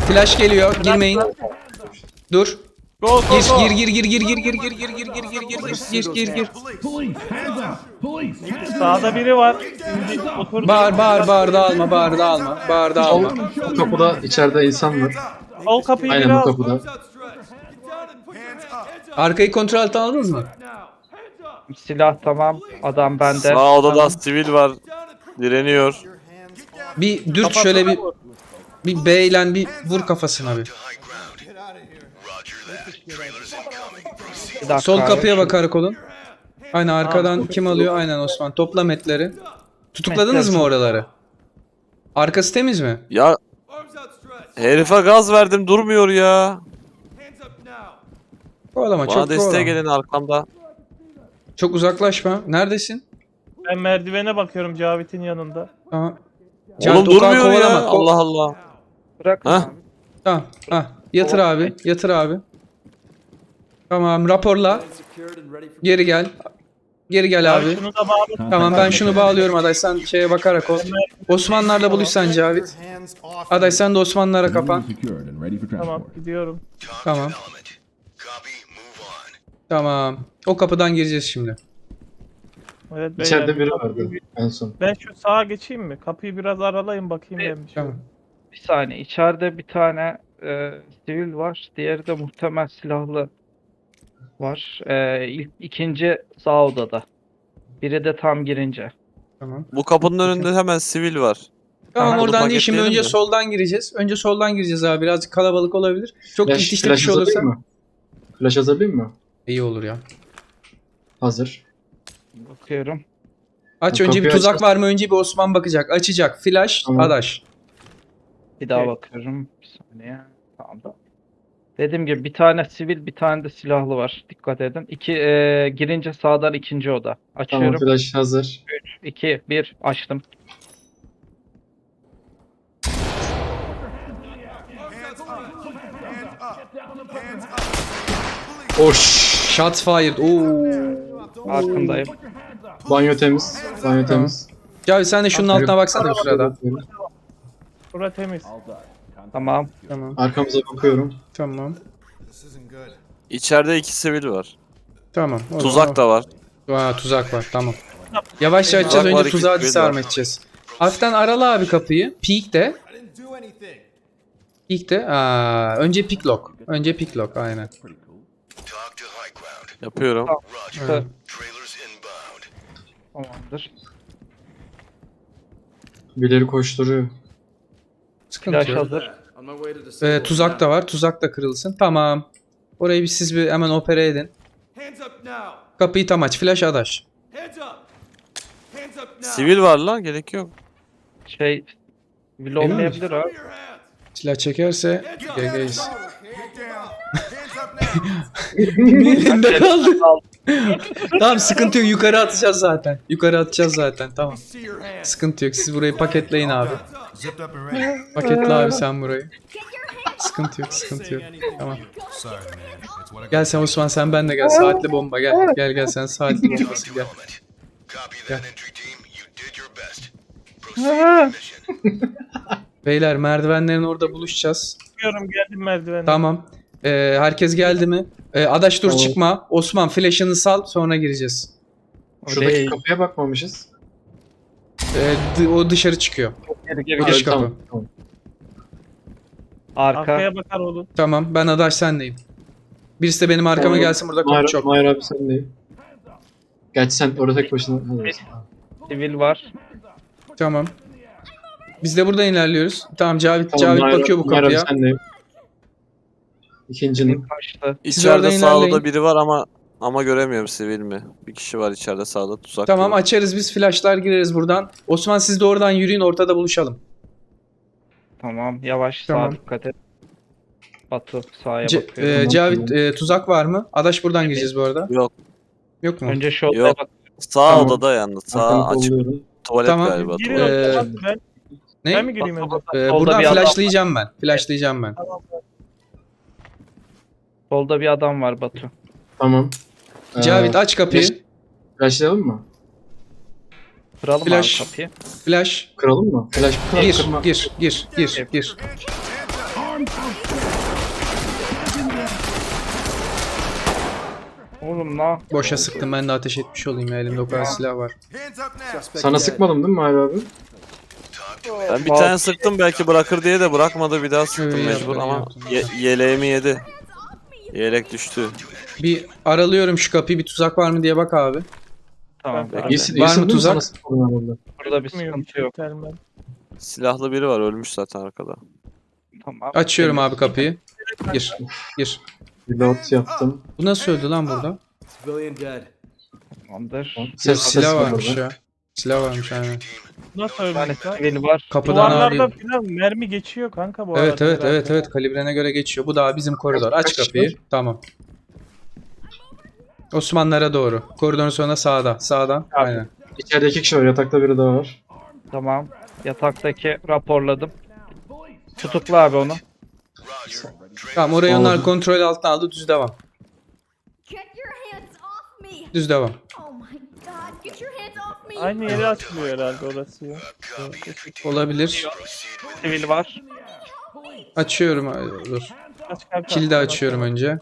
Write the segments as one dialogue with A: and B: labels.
A: Flash geliyor. Girmeyin. Dur.
B: Go go go.
A: Gir.
B: Sağda biri var. Şimdi otur.
A: Bağır dağılma.
C: Bu kapıda içeride insan var.
B: Sol kapıyı
C: Aynen bu
B: biraz.
C: kapıda.
A: Arkayı kontrol altına aldınız mı?
D: Silah tamam. Adam bende.
E: Sağ odada sivil var. Direniyor.
A: Bir dürt şöyle bir B ile bir vur kafasına bir.
D: Bir dakika
A: Sol
D: abi.
A: kapıya bak karakolun. Aynen arkadan kim alıyor? Aynen Osman. Topla metleri. Tutukladınız mı oraları? Arkası temiz mi?
E: Ya herife gaz verdim durmuyor ya.
A: Kovalama
E: Bana
A: çok
E: desteğe
A: kovalama.
E: gelin arkamda.
A: Çok uzaklaşma. Neredesin?
B: Ben merdivene bakıyorum Cavit'in yanında.
A: Tamam.
E: Oğlum
A: Cavit,
E: durmuyor ya.
A: kovalama.
E: Allah Allah.
D: Bırakın
E: Ha?
D: abi.
A: Tamam. Yatır abi. Tamam raporla. Geri gel. Geri gel abi.
B: Şunu da bağlı.
A: Tamam ben şunu bağlıyorum Aday, sen şeye bakarak ol. Osmanlılarla buluşsan Cavit. Aday sen de Osmanlılara kapan.
B: Tamam gidiyorum.
A: Tamam. O kapıdan gireceğiz şimdi.
B: Evet,
C: İçeride
B: beyler.
C: biri vardı en son.
B: Ben şu sağa geçeyim mi? Kapıyı biraz aralayın bakayım ben bir şey.
A: Tamam.
D: Bir saniye. İçeride bir tane sivil var. Diğeri de muhtemel silahlı var. İkinci sağ odada. Biri de tam girince.
A: Tamam.
E: Bu kapının önünde hemen sivil var.
A: Tamam
E: Tamam,
A: oradan
E: bunu
A: değil, şimdi önce
E: paketleyelim mi?
A: soldan gireceğiz. Önce soldan gireceğiz abi, birazcık kalabalık olabilir. Çok
C: Flash,
A: itişli bir
C: flash
A: şey olursa
C: hazırlayayım mı? Flash hazırlayayım mı?
A: iyi olur ya.
C: Hazır.
D: Bakıyorum.
A: Aç
C: Bu
A: önce bir
C: kapıyı
A: tuzak
C: aç.
A: var mı, önce bir Osman bakacak. Açacak. Flash,
C: Tamam.
A: Adaş.
D: Bir daha
B: Evet.
D: bakıyorum. Bir saniye. Tamam da. Dediğim gibi bir tane sivil, bir tane de silahlı var. Dikkat edin. Girince sağdan ikinci oda.
C: Tamam
D: Açıyorum.
C: flash hazır.
D: 2, 1 açtım.
C: Oş.
A: Shots fired. Oo.
D: Farkındayım.
C: Banyo temiz. Banyo temiz.
A: Cavit sen de şunun altına baksana bir sırada.
B: Bura temiz.
D: Tamam.
A: Tamam.
C: Arkamıza bakıyorum.
A: Tamam.
E: İçeride 2 sivil var.
A: Tamam. O
E: Tuzak da var.
A: Tuzak var. Tamam. Yavaşça açacağız.
E: Tuzak var,
A: Önce
E: iki
A: tuzağı
E: sivil
A: disarm
E: var.
A: edeceğiz. Hafiften arala abi kapıyı. Peek'te. Peek'te. Önce pick lock. Önce pick lock. Aynen.
E: Yapıyorum.
A: Evet.
D: Tamamdır.
C: Birileri koşturuyor.
A: Sıkıntı
D: Flash
A: yok.
D: hazır.
A: Tuzak da var. Tuzak da kırılsın. Tamam. Orayı bir siz bir hemen opere edin. Kapıyı tam aç. Flash Adaş.
E: Sivil var lan gerek yok.
D: Vil olmayabilir abi.
A: Silah çekerse GG'yiz. Elinde kaldı. Tamam sıkıntı yok. Yukarı atacağız zaten. Tamam. Sıkıntı yok. Siz burayı paketleyin abi. Paketle abi sen burayı. Sıkıntı yok. Tamam. Gel sen Osman, sen ben de gel. Saatli bomba gel. Gel sen saatli bombası gel. Gel. Beyler merdivenlerin orada buluşacağız.
B: Çıkıyorum geldim merdivene.
A: Tamam. Herkes geldi mi? Adaş dur
C: Tamam.
A: çıkma. Osman flash'ını sal, sonra gireceğiz.
C: Şuradaki
D: değil.
C: kapıya bakmamışız.
A: O dışarı çıkıyor.
D: Geri
A: Dış kapı.
C: Tamam.
D: Arka.
B: Arkaya bakar olun.
A: Tamam ben Adaş sendeyim. Birisi de benim arkama
C: Tamam.
A: gelsin, burada kapı çok.
C: Mahir abi sen de. Gerçi sen orada tek başına.
D: Sivil var.
A: Tamam. Biz de buradan ilerliyoruz. Tamam Cavit
C: Mahir-
A: bakıyor bu
C: Mahir abi
A: kapıya.
C: sen de. İkincinin.
D: Kaçtı.
E: İçeride
A: oradan
E: sağda
A: ilerleyin.
E: da biri var ama göremiyorum sivil mi? Bir kişi var içeride sağda tuzak.
A: Tamam
E: yok.
A: açarız biz, flashlar gireriz buradan. Osman siz de oradan yürüyün, ortada buluşalım.
D: Tamam. Yavaş
A: Tamam.
D: sağa dikkat et. Batu sağa bakıyorum.
C: Tamam,
A: Cavit
C: tamam.
A: Tuzak var mı? Adaş buradan gireceğiz bu arada.
E: Yok.
A: Yok mu?
D: Önce şu odaya
E: Yok.
D: bak.
E: Sağ
C: Tamam.
E: odada yalnız. Sağ
C: Arkamı
E: açık.
C: kolluyorum.
E: Tuvalet
A: Tamam.
E: galiba.
B: Girin
E: Tuvalet.
B: o zaman. Ben mi
A: Ne?
B: gireyim önce?
D: Solda
A: Buradan
D: bir adam
A: flashlayacağım ben. Flashlayacağım ben.
D: Solda bir adam var Batu.
C: Tamam.
A: Cavit aç kapıyı.
C: Flashlayalım mı?
D: Kıralım
A: Flash.
D: abi kapıyı.
A: Flash.
C: Kıralım mı? Flash
A: Gir,
C: kırma.
A: gir.
D: Oğlum la.
A: Boşa sıktım, ben de ateş etmiş olayım ya, elimde o kadar silah var.
C: Sana sıkmadım değil mi Mahir abi?
E: Ben bir tane sıktım belki bırakır diye de bırakmadı, bir daha sıktım
A: İyi
E: mecbur
A: yaptın,
E: ama
A: iyi yaptın.
E: yeleğimi yedi. Yelek düştü.
A: Bir aralıyorum şu kapıyı, bir tuzak var mı diye bak abi.
D: Tamam.
B: Var
D: bekle.
C: İyisin,
A: Var
C: iyisin
A: mı
C: değil mi?
A: tuzak?
C: Sana sıkmadım ben burada.
D: Burada bir
B: Bilmiyorum,
D: sıkıntı yok.
B: termal.
E: Silahlı biri var, ölmüş zaten arkada.
D: Tamam.
A: Açıyorum abi kapıyı. Gir. Gir.
C: Reload yaptım.
A: Bu nasıl öldü lan burada?
F: Civilian dead.
D: Tamamdır.
A: Silah
C: ses var
A: varmış
C: orada.
A: ya. Silah varmış aynen.
B: Nasıl
D: Bir tane
B: ölmüş lan?
D: sivil var.
A: Kapıdan
B: Duvarlarda
A: ağrıyor.
B: falan mermi geçiyor kanka bu
A: Evet
B: arada
A: evet
B: herhalde.
A: evet evet, kalibrene göre geçiyor. Bu daha bizim koridor. Aç
C: Kaç
A: kapıyı.
C: var?
A: Tamam. Osmanlılara doğru. Koridorun sonunda sağda. Sağdan. Aynen.
C: İçeride 2 kişi var. Yatakta biri daha var.
D: Tamam. Yataktaki raporladım. Tutukla abi onu.
A: Tamam, orayı onlar
C: Oldu.
A: kontrol altına aldı. Düz devam.
G: Get your hands off me!
A: Düz devam.
G: Oh my god, get your hands off me!
B: Aynı yere açılıyor herhalde orası ya.
A: Olabilir.
D: Sivil var.
A: Açıyorum. Ay, dur.
B: Aç kanka.
A: Kilidi açıyorum önce.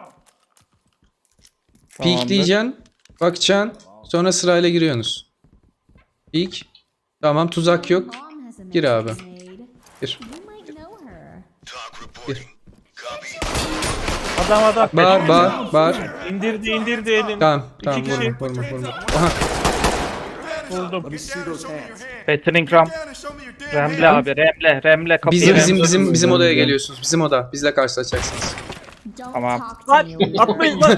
A: Peek diyeceksin. Bakacaksın. Sonra sırayla giriyorsunuz. Peek. Tamam, tuzak yok.
G: Mom has a
A: Gir abi.
G: message made.
A: Gir.
G: You might know her.
A: Gir.
B: Adam.
A: Bağır.
B: İndirdi elini.
A: Tamam tamam,
B: İki kişi.
A: vurma. Aha.
B: Buldum.
F: Let me see those hands.
D: Battering ram. Remle abi. Remle kapıyı.
A: Bizim odaya geliyorsunuz. Bizim oda. Bizle karşılaşacaksınız.
G: Don't
D: Tamam.
G: talk to me. when
B: Atmayın lan.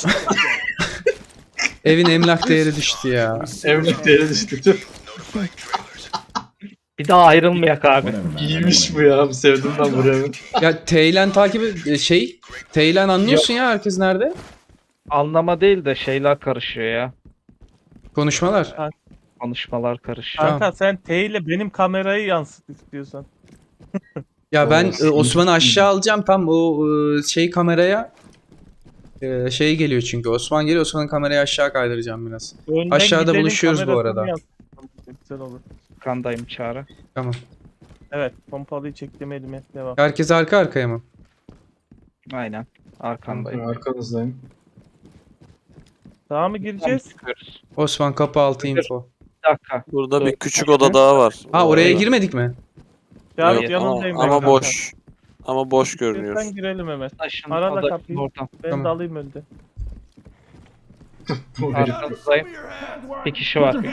A: Evin emlak değeri düştü ya.
C: Evlilik değeri düştü.
D: Bir daha ayrılmayak abi.
C: İyiymiş bu ya. Sevdim ben burayı.
A: Ya Teylen takibi Teylen anlıyorsun ya herkes nerede?
D: Anlama değil de şeyler karışıyor ya.
A: Konuşmalar.
D: Konuşmalar karışıyor.
B: Kanka sen T ile benim kamerayı yansıt istiyorsan.
A: Ya ben
C: Oo,
A: Osman'ı aşağı alacağım, tam o kameraya şey geliyor çünkü. Osman geliyor, Osman'ın kamerayı aşağı kaydıracağım biraz.
B: Önden
A: Aşağıda
B: gidenin
A: buluşuyoruz bu
B: kamerasını
A: arada.
B: yansıt. Güzel olur.
D: Kandayım Çağrı.
A: Tamam.
B: Evet, pompalıyı çektim elime. Devam.
A: Herkes arka arkaya mı?
D: Aynen. Arkandayım.
C: Arkanızdayım.
B: Sağa mı gireceğiz?
D: Çıkıyoruz.
A: Osman kapı altı info.
D: Bir dakika.
E: Burada bir küçük oda daha var.
A: Ha, oraya
E: Orada.
A: girmedik mi?
B: Cavit
E: Yok,
B: yanındayım.
E: ama
B: ben
E: boş. Ama boş görünüyor.
B: Sen girelim hemen.
D: Taşın
B: Arada
D: odasının
B: kapıyı.
D: oradan.
B: Ben
A: Tamam.
B: dalayım önde.
C: Bu
D: Arkanızdayım. Bir kişi var.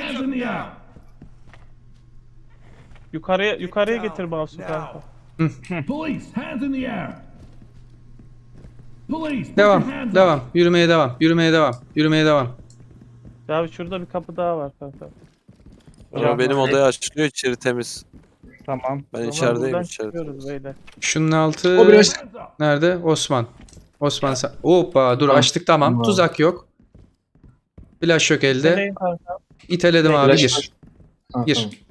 B: Yukarıya getir mouse'u kanka.
H: Police, hands in the air. Police, put
A: Devam.
H: your hands up.
A: Devam. Yürümeye devam.
B: Cavit şurada bir kapı daha var kanka.
E: Ama benim odaya açılıyor, içeri temiz.
D: Tamam.
E: Ben
B: Tamam,
E: içerideyim,
B: buradan
E: içeride.
B: çıkıyoruz beyler.
A: Şunun altı
C: O biraz
A: nerede? Osman sen. Hoppa, dur
C: Tamam.
A: açtık, tamam.
C: Tamam.
A: Tuzak yok. Flash yok elde.
B: Nereye kanka?
A: İteledim abi,
C: Flash
A: gir.
C: var. Ha,
A: Gir.
C: tamam.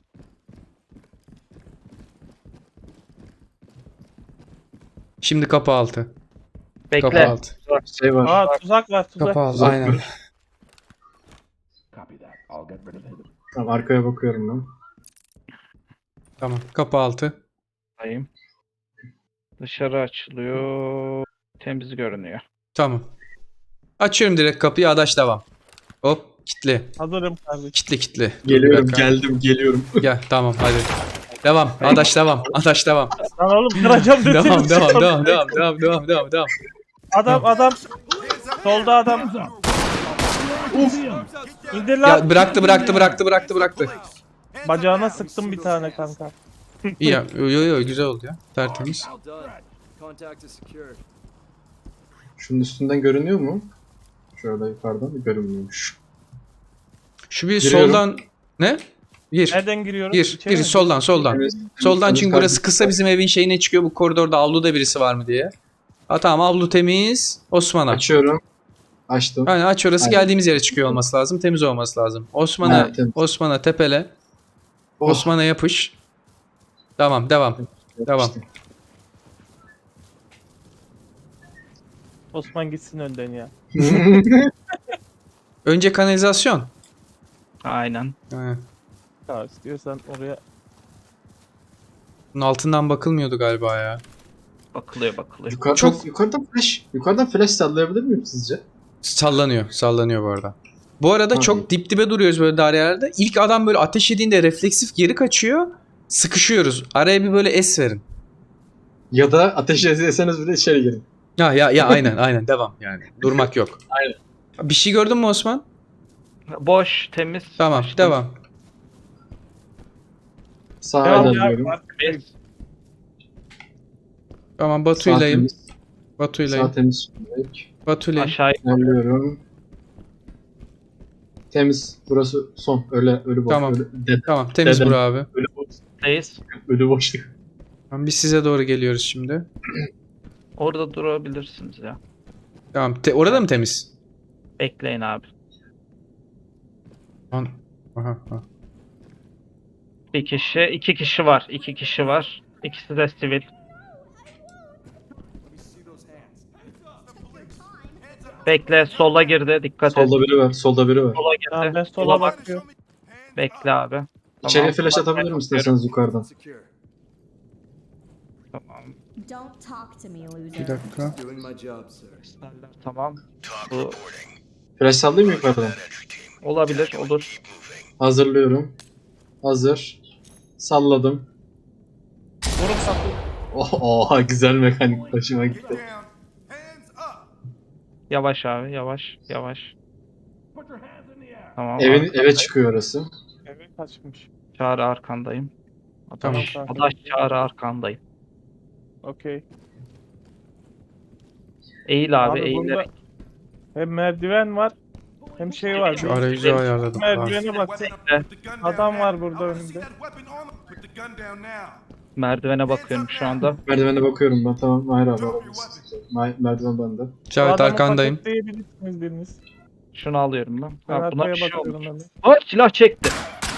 A: Şimdi kapı altı. Kapı
D: Bekle.
A: altı.
C: Şey var.
B: Aa tuzak var tuzak.
A: Kapı altı.
C: Tuzak
A: Aynen.
C: var.
H: Copy that. I'll get rid of him.
C: Tamam, arkaya bakıyorum ben.
A: Tamam. Kapı altı.
D: Dayım. Dışarı açılıyor. Temiz görünüyor.
A: Tamam. Açıyorum direkt kapıyı. Adaş devam. Hop. Kitli.
B: Hazırım kardeşim.
A: Kitli. Dur, bir
C: Geliyorum,
A: dakika.
C: geliyorum.
A: Gel. Tamam hadi. Devam. Adaş devam.
B: Lan oğlum kıracağım dedi.
A: Devam.
B: Adam. Solda adam.
H: Hands up.
B: İndir lan.
A: Ya bıraktı.
B: Bacağına sıktım bir tane kanka.
A: İyi ya. Yo güzel oldu ya. Tertemiz.
F: Well done. Contact is secured.
C: Şunun üstünden görünüyor mu? Şöyle yukarıdan görünmüyormuş.
A: Şu bir
C: Giriyorum.
A: soldan ne? Gir.
B: Nereden giriyoruz?
A: Gir.
B: İçeri mi?
A: Soldan.
C: Temiz
A: Soldan, çünkü burası
C: kardeşim.
A: kısa, bizim evin şeyine çıkıyor. Bu koridorda avluda birisi var mı diye. Ha tamam, avlu temiz. Osman'a.
C: Açıyorum. Açtım.
A: Aynen, aç orası,
C: Aynen.
A: geldiğimiz yere çıkıyor olması lazım. Temiz olması lazım.
C: Evet, temiz.
A: Osman'a tepele.
C: Oh,
A: Osman'a yapış. Tamam, devam.
C: yapıştım.
B: Osman gitsin önden ya.
A: Önce kanalizasyon.
D: Aynen.
A: Ha.
B: Ya istiyorsan oraya.
A: Bunun altından bakılmıyordu galiba ya.
D: Bakılıyor.
C: Yukarıdan flash sallayabilir miyim sizce?
A: Sallanıyor bu arada. Bu arada
C: Hı.
A: çok dip dibe duruyoruz böyle dairelerde. İlk adam böyle ateş yediğinde refleksif geri kaçıyor. Sıkışıyoruz. Araya bir böyle es verin.
C: Ya da ateş etseniz bile içeri girin.
A: Ya aynen devam yani. Durmak yok.
C: Aynen.
A: Bir şey gördün mü Osman?
D: Boş, temiz.
A: Tamam,
D: İşte
A: devam.
C: Sağa
B: Devam
C: ilerliyorum.
B: ya.
D: temiz.
A: Tamam
C: Sağ
A: Batu'ylayım.
C: temiz. Sağ
A: Batu'ylayım.
C: temiz. şimdilik.
A: Batu'ylayım.
D: Aşağı
C: İlerliyorum. Temiz. Burası son. Ölü boş.
A: Tamam.
C: Ölü,
A: Tamam temiz
C: Dedem.
A: bura abi.
C: ölü boş.
D: yukarıdayız.
C: Ölü boşluk.
A: Tamam, biz size doğru geliyoruz şimdi.
D: Orada durabilirsiniz ya.
A: Tamam orada mı temiz?
D: Bekleyin abi.
A: Aha, aha.
D: İki kişi var. İkisi de sivil. Bekle, sola girdi. Dikkat et.
C: Solda biri var. Solda biri var.
D: Sola
B: Tamam,
D: girdi.
B: ben sola bakıyorum.
D: Bekle abi.
C: İçeriye flash atabilirim isterseniz yukarıdan.
F: Secure.
D: Tamam.
G: Don't talk to me,
A: Bir
G: loser.
A: dakika.
F: Doing my job, sir.
D: Tamam. Bu
C: Flash sallayayım mı yukarıdan?
D: olabilir, olur.
C: Hazırlıyorum. Hazır. Salladım.
B: Vurun kapıyı.
C: Oha güzel mekanik. Hoşuma gitti.
D: Yavaş abi, yavaş. Tamam.
C: Eve çıkıyor orası.
B: Eve kaçmış.
D: Çağrı arkandayım.
A: Tamam.
D: Adaş Çağrı arkandayım.
B: Okey.
D: Eğil abi,
B: Abi
D: eğil.
B: burada hem merdiven var hem şey var.
A: Şu arayüzü ayarladım. Tamam.
B: Merdivene bak. Adam var burada önümde.
D: Merdivene bakıyorum şu anda.
C: Merdivene bakıyorum ben. Tamam. Hayır abi. alabilirsiniz. Merdiven bende.
B: Bu
A: Cavit
B: adamı
A: arkandayım.
B: paketleyebilirsiniz biriniz.
D: Şunu alıyorum ben.
B: Ben
D: Ha, buna
B: arkaya
D: bir şey
B: bakıyorum
D: olmuş.
B: ben de.
D: Ay, silah çekti.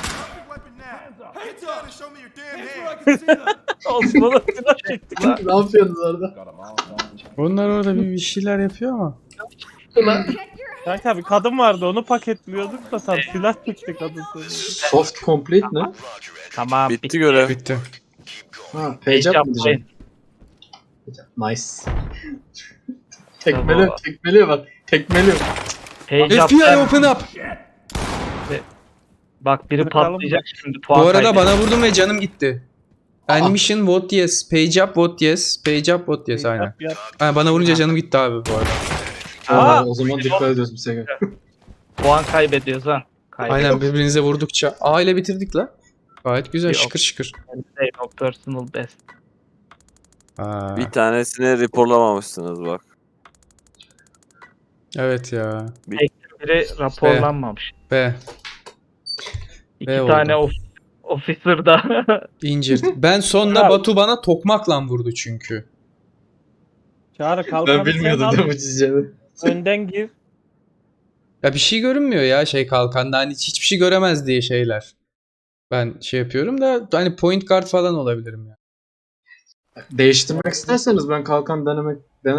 B: Osman'a silah çektik.
C: Ne yapıyorsunuz orada?
H: Got 'em all done.
A: Onlar orada bir şeyler yapıyor ama.
G: Get your
B: Kanka bir kadın vardı onu paketliyorduk da tam silah çekti kadın sonra.
C: Soft complete ne?
D: Tamam,
E: Bitti görev.
A: Bitti.
C: Ha, page up mı diyeceğim? Nice. Tekmeliyor bak. Tekmeliyor.
D: Page
A: FBI
D: up.
A: open up.
D: Bak biri
B: Bakalım
D: patlayacak şimdi.
A: Bu
D: Puan
A: arada
D: kaybedecek.
A: bana vurdum ve canım gitti. Animation vote yes. Page up vote yes. Page up vote yes aynen.
B: Yap.
A: Ha, bana vurunca canım gitti abi bu arada.
C: Aa, o zaman dikkat ediyoruz bir sefer.
D: Puan kaybediyoruz ha.
A: Aynen birbirinize vurdukça. A ile bitirdik la. Gayet güzel
D: Yok.
A: şıkır şıkır.
D: No personal best.
A: Ha,
E: Bir tanesini raporlamamışsınız bak.
A: evet ya.
D: Biri raporlanmamış.
A: B.
D: İki
A: oldu.
D: tane officer da.
A: İncir. Ben sonra Batu bana tokmakla vurdu çünkü.
B: Çağrı kalkanı
C: Ben bilmiyordum
B: sen
C: değil
B: al.
C: mi çizeceğini?
B: Önden gir.
A: Ya bir şey görünmüyor ya şey kalkanda. Hani hiçbir şey göremez diye şeyler. Ben şey yapıyorum da hani point guard falan olabilirim ya.
C: Değiştirmek isterseniz ben kalkan denemek